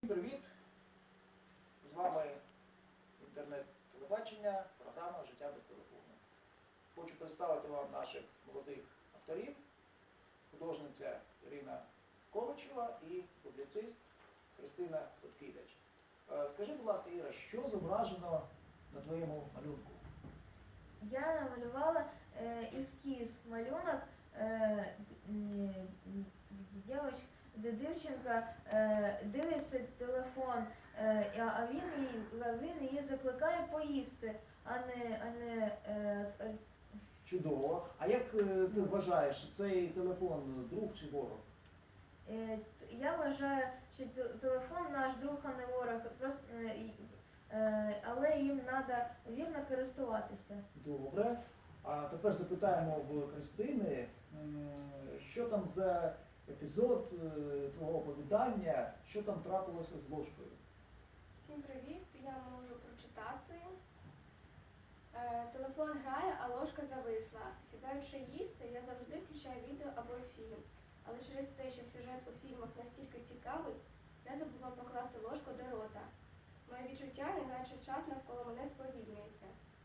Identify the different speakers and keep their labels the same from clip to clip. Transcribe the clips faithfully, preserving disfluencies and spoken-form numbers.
Speaker 1: Привіт! З вами інтернет-телебачення, програма «Життя без телефону». Хочу представити вам наших молодих авторів, художниця Ірина Количева і публіцист Христина Откидач. Скажи, будь ласка, Іра, що зображено на твоєму малюнку?
Speaker 2: Я намалювала е, ескіз, малюнок, е, дівчинка, де дівчинка е, дивиться телефон, е, а він її, він її закликає поїсти, а не, а не е, е,
Speaker 1: Чудово. А як е, ти вважаєш, цей телефон друг чи ворог?
Speaker 2: е, я вважаю, що те- телефон наш друг, а не ворог, просто, е, і- е, але їм треба вірно користуватися.
Speaker 1: Добре. А тепер запитаємо в Христини, м, що там за епізод е, твого оповідання, що там трапилося з ложкою?
Speaker 3: Всім привіт! Я можу прочитати. Е, телефон грає, а ложка зависла. Сідаючи їсти, я завжди включаю відео або фільм. Але через те, що сюжет у фільмах настільки цікавий, я забула покласти ложку до рота. Моє відчуття, неначе час навколо мене сповільнюється.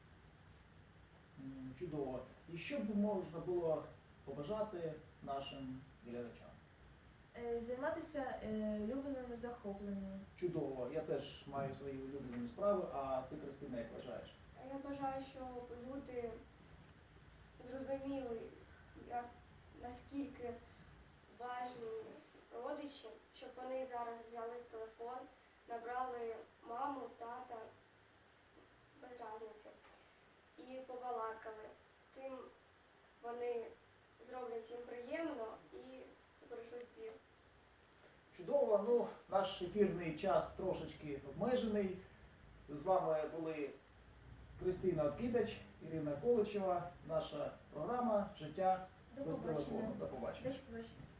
Speaker 1: М, Чудово. І що б можна було побажати нашим глядачам?
Speaker 2: Е, Займатися е, улюбленими захопленнями.
Speaker 1: Чудово. Я теж маю свої улюблені справи, а ти, Христина, як вважаєш?
Speaker 3: Я бажаю, щоб люди зрозуміли, як, наскільки важні родичі, щоб вони зараз взяли телефон, набрали маму, тата, без різниці, і побалакали. Тим вони зроблять їм приємно і збережуть зір.
Speaker 1: Чудово. Ну, наш ефірний час трошечки обмежений. З вами були Христина Откидач, Ірина Количева, наша програма «Життя
Speaker 2: До
Speaker 1: без
Speaker 2: побачення.
Speaker 1: телефону». До побачення.
Speaker 2: До побачення.